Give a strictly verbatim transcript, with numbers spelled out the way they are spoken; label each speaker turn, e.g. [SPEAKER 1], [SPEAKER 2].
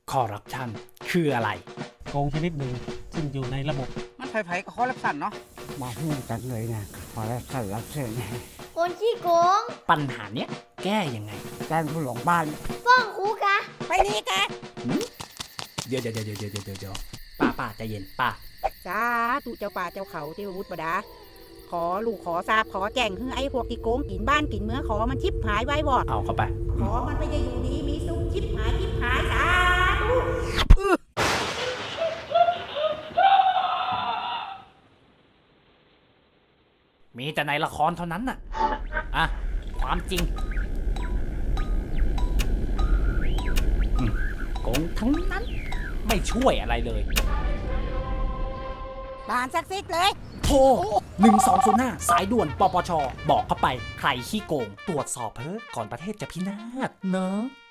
[SPEAKER 1] คอร์รัปชันคืออะไร
[SPEAKER 2] โกงชนิดหนึ่งซึ่งอยู่ในระบบ
[SPEAKER 3] มันไผ่ๆก็คอร์รัปชันเนาะ
[SPEAKER 4] มาหูกันเลยนะขอรับสารรับเชิญ
[SPEAKER 5] คนขี้โกง
[SPEAKER 1] ปัญหาเนี้ยแก้ยังไง
[SPEAKER 4] แจ้งผู้หลงบ้าน
[SPEAKER 5] ฟ้องครูกะ
[SPEAKER 3] ไปนี่กะ
[SPEAKER 1] เดี๋ยวเดี๋ยวเดี๋ยวเดี๋ยวเดี๋ยวเดี๋ยวป้าป้าใจเย็นป้า
[SPEAKER 6] สาธุเจ้าป่าเจ้าเขาเทวบุตรบดา ขอลูกขอทราบขอแจ้งให้ไอ้พวกที่โกงกินบ้านกินเมืองขอมันชิบหายไว้วอด
[SPEAKER 1] เอาเข้าไป
[SPEAKER 6] ขอมันไปจะอยู่ดีมีสุขชิบหายชิบหายสาธุ
[SPEAKER 1] มีแต่ในละครเท่านั้นน่ะ อ่ะ ความจริงอืมโกงทั้งนั้น ไม่ช่วยอะไรเลย
[SPEAKER 6] บานสักซิดเลย
[SPEAKER 1] โทรหนึ่งสองศูนย์ห้าสายด่วนปปช บอกเข้าไป ใครขี้โกง ตรวจสอบเพิ่ก่อนประเทศจะพินาศเนอะ